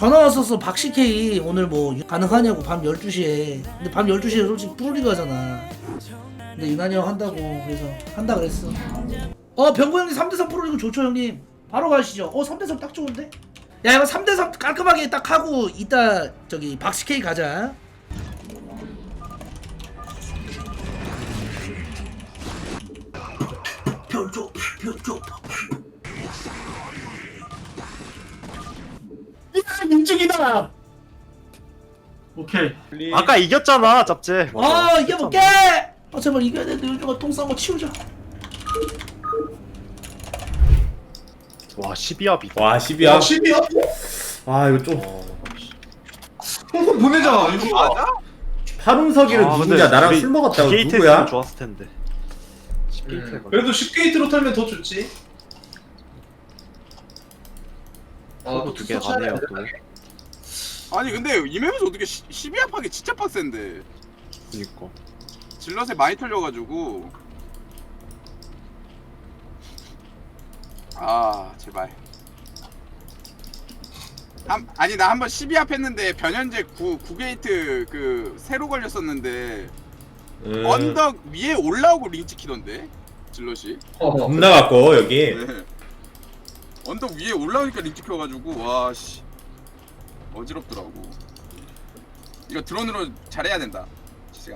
전화 왔었어. 박CK 오늘 뭐 가능하냐고 밤 12시에. 근데 밤 12시에 솔직히 뿌리가 하잖아. 근데 유난히 형 한다고 그래서 한다 그랬어. 병구 형님 3대3 프로리그 좋죠 형님. 바로 가시죠. 3대3 딱 좋은데? 야 이거 3대3 깔끔하게 딱 하고 이따 저기 박CK 가자. 별조. 민중이다. 오케이. 아까 이겼잖아, 짭제. 이겨볼게. 제발 이겨야 되는데 요즘은 똥 싼 거 치우자. 와, 12합이다. 와 12야. 10이야? 아 이거 좀 홍콩 보내자. 이거 맞아? 파룬석이를 누구냐? 나랑 술 먹었다고 게이트 누구야? 했으면 좋았을 텐데. 10게이트 그래도 10게이트로 털면 더 좋지. 또 두개 가네요 또. 아니 근데 이 맵에서 어떻게 12합 하기 진짜 빡센데. 그니까. 질럿에 많이 털려가지고. 제발. 아니 나 한번 12합 했는데 변현재 9게이트 그 새로 걸렸었는데 언덕 위에 올라오고 링 찍히던데 질럿이. 겁나 갖고 여기. 네. 언덕 위에 올라오니까 링 찍혀가지고 와씨 어지럽더라고. 이거 드론으로 잘해야 된다 시간.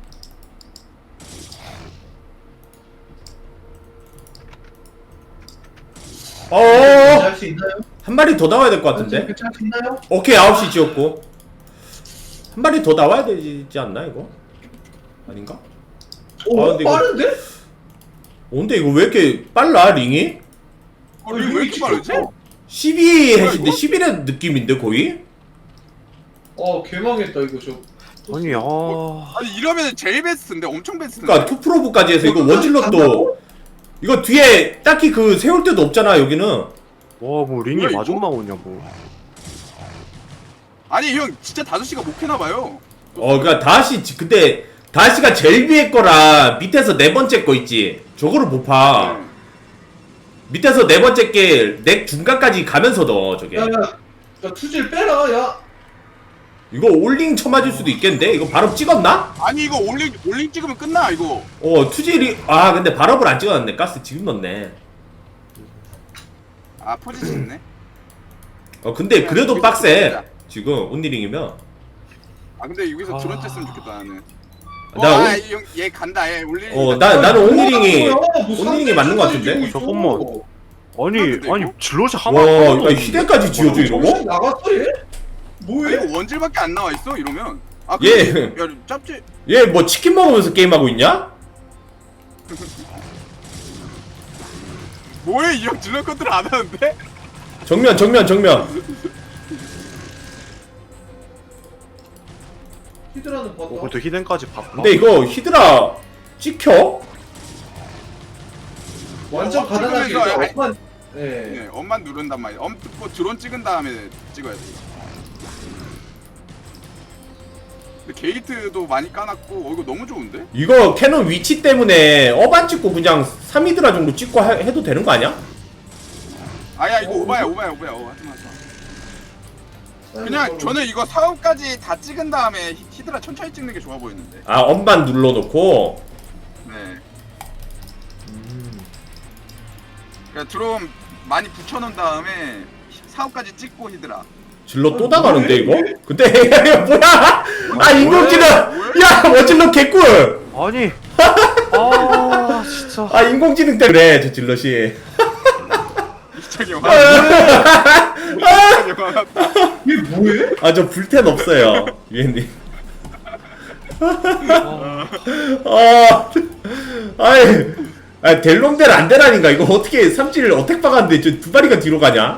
할 수 있나요? 한 마리 더 나와야 될 것 같은데? 괜찮을 수 있나요? 오케이 9시 지었고 한 마리 더 나와야 되지 않나 이거? 아닌가? 오, 근데 이거- 빠른데? 근데 이거 왜 이렇게 빨라 링이? 링 왜 이렇게 빠르지? 12 뭐야, 해신데 이거? 11의 느낌인데 거의? 개망했다 이거 저. 아니, 아니 이러면 제일 베스트인데 엄청 베스트인데. 그니까 투프로브까지 해서 이거 원질럿도 이거 뒤에 딱히 그 세울 데도 없잖아 여기는. 와, 뭐 링이 뭐야, 마중 이거? 나오냐 뭐. 아니 형 진짜 5시가 못 캐나봐요. 그니까 근데 다시가 제일 위에 거라 밑에서 네 번째 거 있지 저거를 못 파. 밑에서 네 번째 게 넥 중간까지 가면서 넣어 저게. 야 투질 빼라 야. 이거 올링 쳐맞을 수도 있겠는데? 이거 발업 찍었나? 아니 이거 올링 찍으면 끝나 이거. 투질이 근데 발업을 안 찍어놨네. 가스 지금 넣네. 포지션 있네. 근데 그래도 여기서 빡세 찍자. 지금 온리링이면. 근데 여기서 드론 쬐으면 좋겠다 나는. 나 얘 간다 얘 올링. 나는 온리링이 뭐 온리링이 맞는 것 같은데? 잠깐만. 근데 아니 이거? 질럿이 와 하나. 야, 희대까지 지어줘 이러고? 나갔어 얘? 뭐해? 이거 원질밖에 안 나와 있어 이러면. 예. 근데 야 짭지. 얘 뭐 치킨 먹으면서 게임하고 있냐? 뭐해 이 형 질럿 컨트롤 안 하는데? 정면 히드라는 봤다. 그래도 히덴까지 바꿔. 근데 이거 히드라 찍혀? 완전 가난하게 찍으면서 이제 엄만. 네, 엄만 누른단 말이야. 엄 듣고 드론 찍은 다음에 찍어야 돼. 근데 게이트도 많이 까놨고, 이거 너무 좋은데? 이거 캐논 위치 때문에 안 찍고 그냥 3히드라 정도 찍고 해도 되는 거 아니야? 아야 이거 오바야. 하지마. 그냥 저는 이거 사업까지 다 찍은 다음에 히드라 천천히 찍는 게 좋아 보이는데. 엄만 눌러놓고. 네. 그러니까 드론 많이 붙여놓은 다음에 사업까지 찍고 히드라. 질러 또 나가는데 이거? 근데 이거 뭐야? 인공지능! 야 원질러 개꿀! 아니. 진짜. 인공지능 때문에 저 질럿이. 이창이 화. 얘 뭐해? 저 불텐 없어요 유엔님. 델롬델 안 되라니까. 이거 어떻게 삼질 어택 박았는데 저 두 마리가 뒤로 가냐?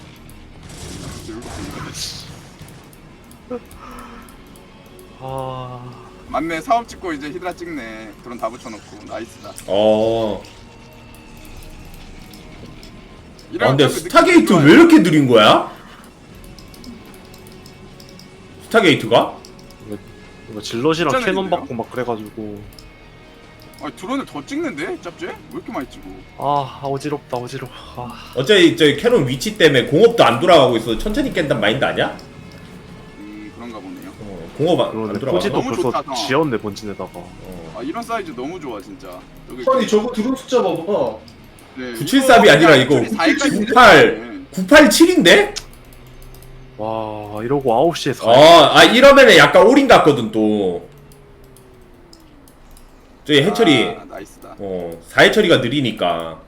맞네 사업 찍고 이제 히드라 찍네. 드론 다 붙여놓고 나이스다. 근데 그 스타게이트 느낌이 왜 이렇게 느린 거야? 스타게이트가? 이거 질럿이랑 진짜 캐논 느리네요. 받고 막 그래가지고. 아 드론을 더 찍는데 짭제? 왜 이렇게 많이 찍어? 아 어지럽다 어지러워. 어차피 저기 캐논 위치 때문에 공업도 안 돌아가고 있어. 천천히 깬단 마인드 아니야? 그런가 보네요. 공업 안 그러네. 돌아가. 포지도 너무 벌써 좋다, 형. 지었네 본진에다가. 아 이런 사이즈 너무 좋아 진짜. 여기 아니 저거 드론 숫자 봐봐. 네, 973이 아니라 이거 98 987인데? 와 이러고 9시에 4. 아 이러면은 약간 올인 같거든 또. 저기 해철이 아, 나이스다. 4해철이가 느리니까.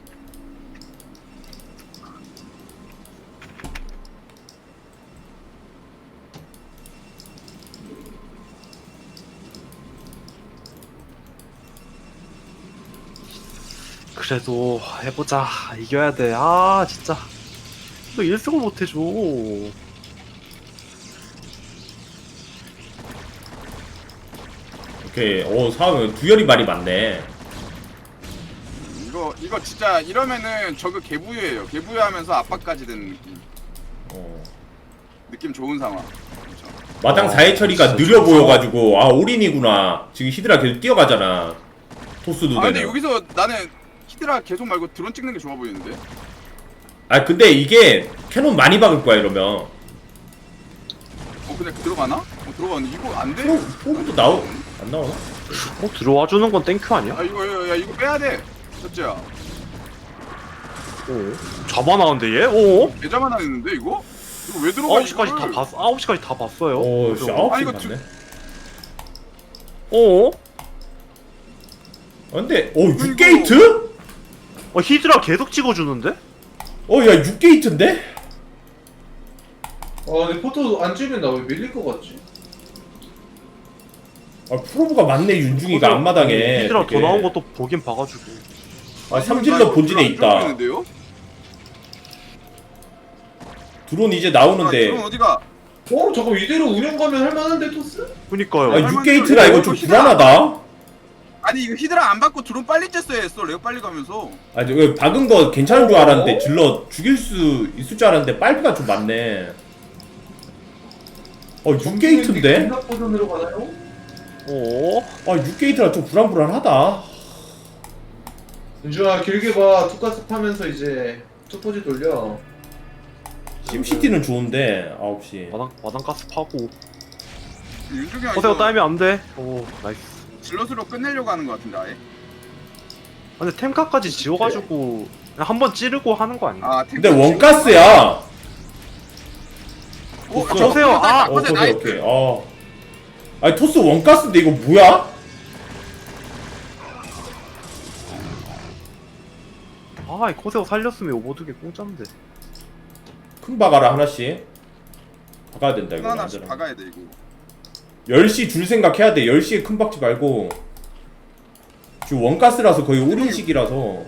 그래도 해보자. 이겨야 돼. 아 진짜 너 1승을 못해줘. 오케이. 상황은 두열이 말이 많네. 이거 진짜 이러면은 저거 개부유예요. 개부유하면서 압박까지 되는 느낌. 느낌 좋은 상황. 그렇죠. 마당 4해철이가 느려 보여가지고 올인이구나. 지금 히드라 계속 뛰어가잖아. 토스도 아 근데 되는. 여기서 나는 히드라 계속 말고 드론 찍는 게 좋아 보이는데. 근데 이게 캐논 많이 박을 거야 이러면. 근데 들어가나? 들어가네. 이거 안 돼? 프로브도 안 나오나? 들어와 주는 건 땡큐 아니야? 아 이거 빼야 돼. 첫째야. 잡아나는데 얘? 오? 계좌만 하는데 이거? 이거 왜 들어가? 9시까지 다 봤어. 9시까지 다 봤어요. 씨, 9시 이거 갔네. 어? 근데 6게이트? 히드라 계속 찍어주는데? 야 6게이트인데? 근데 포토 안 찍으면 나 왜 밀릴 것 같지? 프로브가 많네 윤중이가 앞마당에. 히드라 되게. 더 나온 것도 보긴 봐가지고. 삼질러 본진에 있다. 보이는데요? 드론 이제 나오는데. 드론 어디가? 저거 이대로 운영 가면 할만한데 토스? 그니까요. 6게이트라 이거 좀 불안하다. 아니 이거 히드라 안 받고 드론 빨리 쬐어야 했어. 레오 빨리 가면서. 왜 박은 거 괜찮은 줄 알았는데 질러 죽일 수 있을 줄 알았는데 빨피가 좀 많네. 6게이트인데? 버전으로 가나요? 6게이트라 좀 불안불안하다. 윤주아 길게 봐. 투가스 파면서 이제 투포지 돌려. 심시티는 좋은데 9시. 마당 가스 파고. 윤중이 형 허세가 이거 따이면 안 돼. 나이스. 질럿으로 끝내려고 하는 것 같은데 아예. 근데 템카까지 지워가지고 그냥 한번 찌르고 하는 거 아니야? 근데 원가스야. 보세요. 오케이. 아니 토스 원가스인데 이거 뭐야? 이 코세오 살렸으면 오버두개 공짜인데. 큰 박아라 하나씩. 박아야 된다 이거. 하나씩 완전히. 박아야 돼 이거. 10시 줄 생각해야 돼. 10시에 큰 박지 말고. 지금 원가스라서 거의 올인식이라서.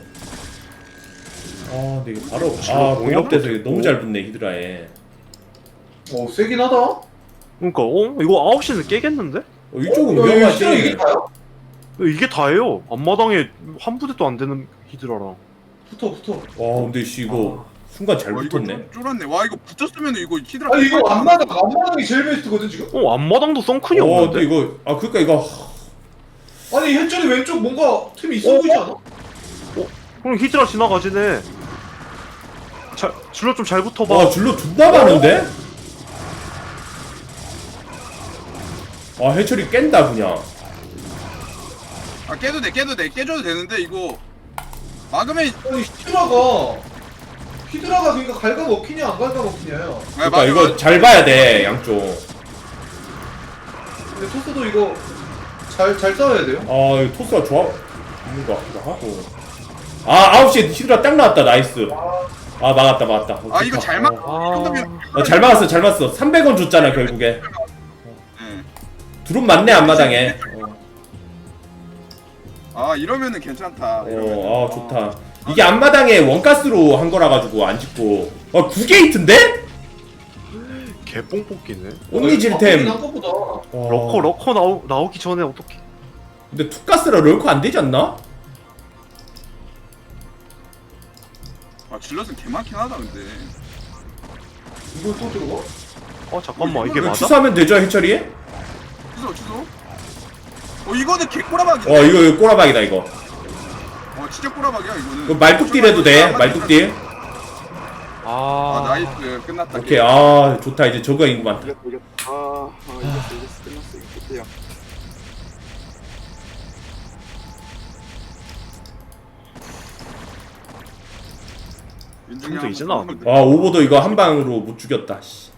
근데 이거 바로 공업돼서 이거 너무 잘 붙네 히드라에. 세긴 하다. 그러니까 이거 9시는 깨겠는데? 이쪽은 이게 위험하지. 다요? 이게 다예요. 앞마당에 한 부대도 안 되는 히드라랑. 붙어. 근데 이거 순간 잘 이거 붙었네. 쫄았네. 와 이거 붙였으면 이거 히드라. 아니 이거 앞마당이 제일 베스트거든 지금? 앞마당도 썬큰이 근데 없는데? 이거 그러니까 이거 아니 현철이 왼쪽 뭔가 틈이 있어 보이지 않아? 그럼 히드라 지나가지네. 줄로 좀 잘 붙어봐. 줄로 존나 많은데? 해철이 깬다 그냥. 깨도 돼. 깨줘도 되는데 이거 막으면 아니 히드라가 그러니까 갈가 먹히냐 안 갈가 먹히냐요. 그러니까 이거 잘 봐야 돼 양쪽. 근데 토스도 이거 잘 싸워야 돼요. 이거 토스가 좋아 있는 거 같기도 하고. 9시에 히드라 딱 나왔다. 나이스. 막았다. 이거 잘 막. 정도면 잘 막았어. 300원 줬잖아 결국에. 드론 맞네 앞마당에. 이러면은 괜찮다. 좋다. 이게 앞마당에 원가스로 한 거라 가지고 안 짓고. 9게이트인데? 개뽕 뽑기네. 온리질템. 러커 나오기 전에 어떻게? 근데 투가스라 럴커 안 되지 않나? 질럿은 개 많긴 하다 근데. 이걸 또 들어가? 잠깐만 이게 이거 맞아? 취소하면 되죠 해철이? 취소. 이거는 개꼬라박이야. 이거 꼬라박이다 이거. 진짜 꼬라박이야 이거는. 그 말뚝딜 해도 돼. 말뚝딜. 아 나이스 끝났다. 오케이. 아 좋다. 이제 저거 인구 많다. 이겼다. 이겼어 끝났어 이거 끝이야. 윤중이 형도 형 이제 나왔는데. 와 오버도 이거 한 방으로 못 죽였다. 씨.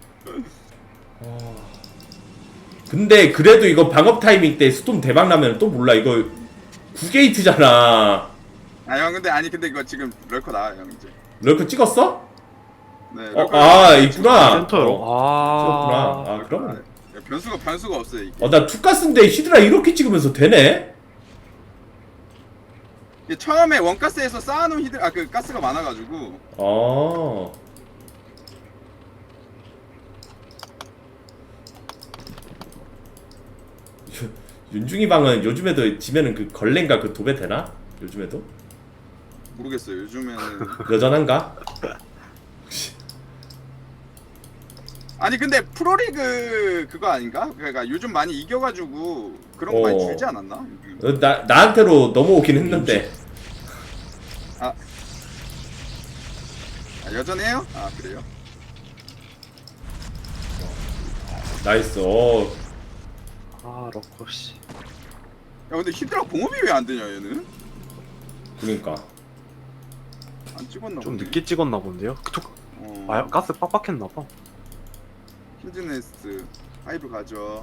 근데 그래도 이거 방업 타이밍 때 스톰 대박 나면 또 몰라. 이거 9게이트잖아. 형 근데 이거 지금 럴커 나와요 형 이제. 럴커 찍었어? 네. 있구나. 센터로. 찍었구나. 아. 그럼. 변수가 없어요 이게. 나 투가스인데 히드라 이렇게 찍으면서 되네? 이게 처음에 원가스에서 쌓아놓은 그 가스가 많아가지고. 윤중이 방은 요즘에도 지면은 그 걸렌가 그 도배 되나? 요즘에도? 모르겠어요 요즘에는. 여전한가? 아니 근데 프로리그 그거 아닌가? 그러니까 요즘 많이 이겨가지고 그런 거 많이 줄지 않았나? 나한테로 넘어오긴 했는데. 여전해요? 그래요? 나이스. 럭커 씨. 야 근데 히드라 공업이 왜 안 되냐 얘는? 그러니까. 안 찍었나 좀 보네. 늦게 찍었나 본데요? 가스 빡빡했나 봐. 힐즈네스트 하이브 가져.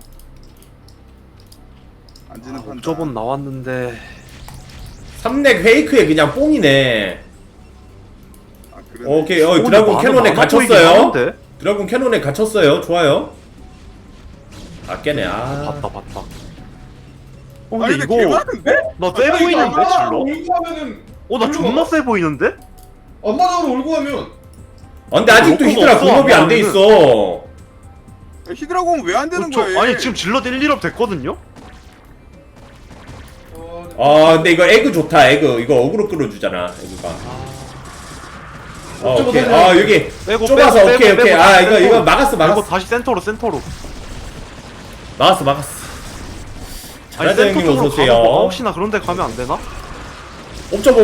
안지는 판다. 옵저본 나왔는데. 3렉 페이크에 그냥 뽕이네. 그러네. 오케이. 드라군 캐논에 갇혔어요. 드라군 캐논에 갇혔어요. 좋아요. 깨네. 봤다. 아니 근데 근데 이거 개많은데? 나 세 보이는데 질러? 울고 하면은 나 존나 세 보이는데? 엄마적으로 울고 하면 근데 아직도 로커가 히드라 없어, 공업이 안 돼 하면은. 있어. 히드라 공업 왜 안 되는 거야? 아니 지금 질러 1, 1업 됐거든요? 근데 이거 에그 좋다. 에그 이거 어그로 끌어주잖아. 에그가. 오케이. 여기 빼고, 좁아서 빼고, 오케이. 빼고, 이거 빼고. 막았어. 이거 다시 센터로. 막았어. 아니 잘하자 형님 센터 쪽으로 어서오세요. 가면 뭐 9시나 그런 데 가면 안 되나? 옵저버.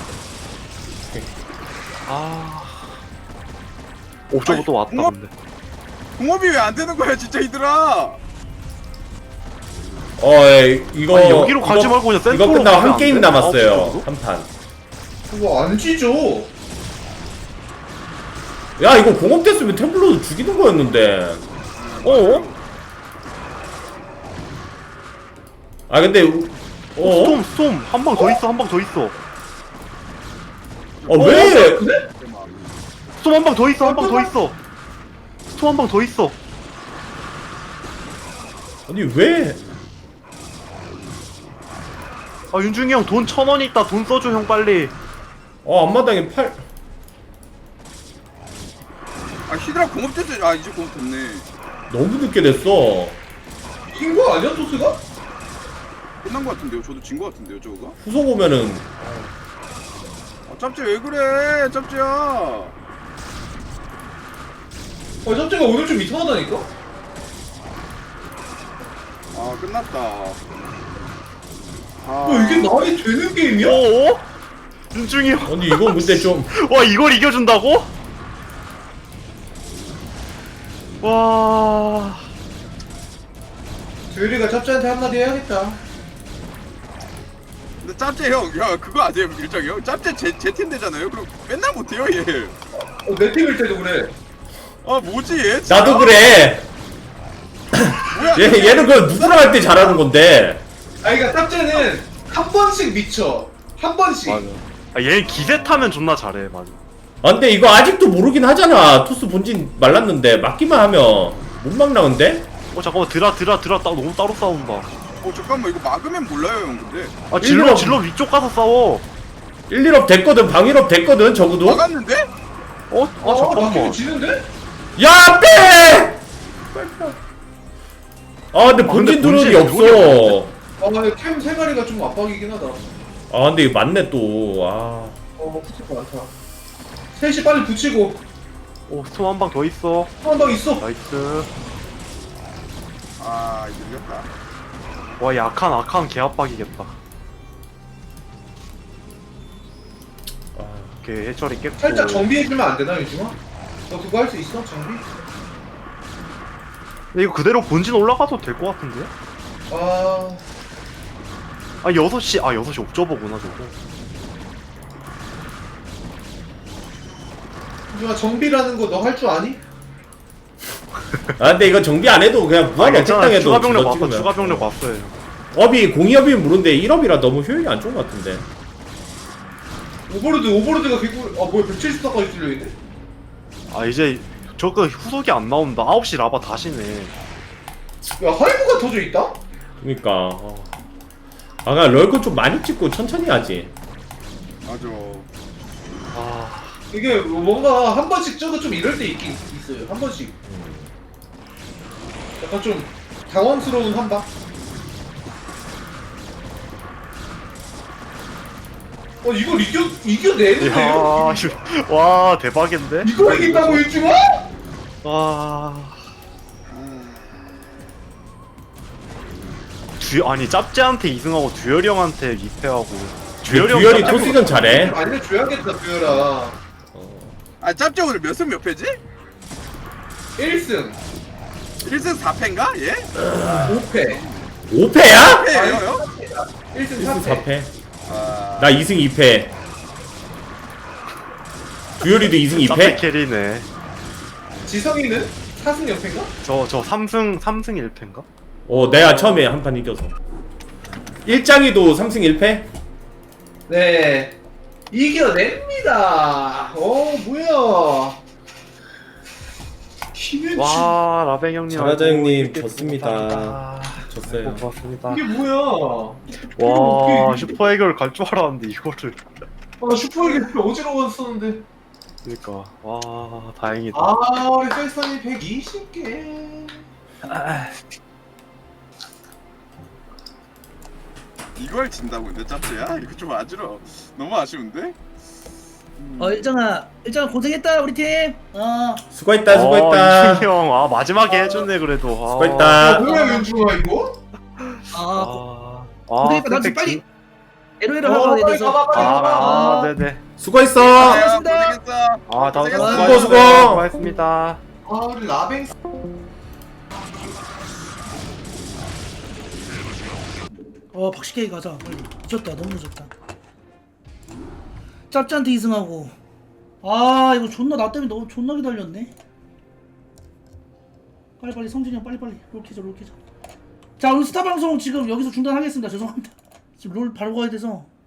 옵저버 또 왔다 공업- 근데. 공업이 왜 안 되는 거야 진짜 히드라? 이거 아니, 여기로 가지 말고 그냥 이거 센터로 끝나고 가면 한 게임 안 돼? 남았어요. 아홉 한 판. 그거 안 찌죠. 야 이거 공업 됐으면 템플러도 죽이는 거였는데. 근데 스톰 한 방 더 있어. 왜? 스톰 한 방 더 있어. 스톰 한 방 더 있어. 아니 왜? 윤중이 형 돈 1,000원 있다. 돈 써줘 형 빨리. 앞마당에 팔. 히드라 공업 됐어. 이제 공업 됐네. 너무 늦게 됐어. 이긴 거 아니야 토스가? 끝난 거 같은데요? 저도 진 거 같은데요 저거가? 후속 오면은 짭지 왜 그래 짭지야. 짭짤가 오늘 좀 이상하다니까? 끝났다. 이게 말이 되는 게임이야? 윤중이 형. 아니 이건 근데 좀 와 이걸 이겨준다고? 와. 조율이가 짭짤한테 한마디 해야겠다. 근데 짭지 형, 그거 아세요 일정이 형? 짭지 제 팀 되잖아요. 그럼 맨날 못해요 얘. 내 팀일 때도 그래. 뭐지 얘? 진짜? 나도 그래. 뭐야? 얘는 그 누구랑 할 때 잘하는 건데. 그러니까 짭짤은 한 번씩 미쳐. 한 번씩. 얘 기세 타면 존나 잘해 맞아. 근데 이거 아직도 모르긴 하잖아. 투스 본진 말랐는데 막기만 하면 못 막나 근데? 잠깐만 드라 너무 따로 싸운다. 잠깐만 이거 막으면 몰라요 형 근데. 질러 위쪽 가서 싸워. 1, 1업 됐거든. 방 1업 됐거든. 적어도. 막았는데? 잠깐만. 막히면 지는데? 야 빼! 근데 본진 근데 드론이 본진 없어. 근데 캠 3마리가 좀 압박이긴 하다. 근데 이거 맞네 또. 붙일 거 많다. 셋이 빨리 붙이고. 스톰 한 방 더 있어. 한 방 있어. 나이스. 이제 이겼다. 와 아칸 개압박이겠다. 오케이 해철이 깼고. 살짝 정비해주면 안 되나 유중아? 너 그거 할 수 있어 정비? 근데 이거 그대로 본진 올라가도 될 것 같은데? 아 6시 6시 옵저버구나 저거. 유중아 정비라는 거 너 할 줄 아니? 아 근데 이거 정비 안 해도 그냥 무한 어택당해도 추가 병력 왔어. 찍으면. 추가 병력 왔어요. 업이 공이업이 무른데 1업이라 너무 효율이 안 좋은 것 같은데. 오버로드가 개꿀. 아 뭐야 170도까지 뚫려있네? 아 이제 저거 후속이 안 나온다. 9시 라바 다시네. 야 하이브가 터져 있다? 그니까 아 그냥 럴건 좀 많이 찍고 천천히 하지. 맞아. 아 이게 뭔가 한 번씩 저거 좀 이럴 때 있긴 있어요. 한 번씩. 약간 좀 당황스러운 한방. 이걸 이겨내는데요? 야, 와 대박인데? 이걸 이긴다고 유중아? 와. 아니 짭제한테 2승하고 듀얼이 형한테 2패하고 듀얼이 토스전 잘해. 알려줘야겠다 듀얼아. 아 짭지 오늘 몇 승 몇 패지? 1승 1승 4패인가? 예? 5패 5패야? 패예요? 1승 1승 4패 4패. 아... 나 2승 2패. 듀얼이도 2승 짭제 2패? 캐리네. 지성이는 4승 0패인가? 저 3승 1패인가? 내가 처음에 한 판 이겨서. 일장이도 3승 1패? 네 이겨냅니다. 뭐야 힘의 와 라벤 형님 잘하자, 아이고, 형님. 이렇게 졌습니다. 감사합니다. 졌어요. 아이고, 고맙습니다. 이게 뭐야 와 슈퍼 해결 갈 줄 알았는데 이거를. 슈퍼에게 어지러웠었는데. 그러니까 와 다행이다. 우리 셀선이 120개. 이걸 진다고 근데 짭지야? 이거 좀 아쉬워. 너무 아쉬운데? 일장아 고생했다 우리 팀. 수고했다 수고했다. 이춘희 형, 마지막에 해줬네 그래도. 수고했다. 뭐야 윤중아 이거? 고생했다. 나 지금 빨리 LOL을 하러 가야 빨리 돼서. 가봐, 빨리 가봐. 네네. 수고했어. 고생했습니다. 고생했어. 다음 고생했어. 수고. 수고하셨습니다. 우리 라뱅. 박식케이 가자 빨리. 늦었다 너무 늦었다. 짭짤한테 2승하고. 이거 존나 나 때문에 너무 존나 기다렸네. 빨리 성진이 형 빨리 롤키자. 자 오늘 스타 방송 지금 여기서 중단하겠습니다. 죄송합니다. 지금 롤 바로 가야 돼서.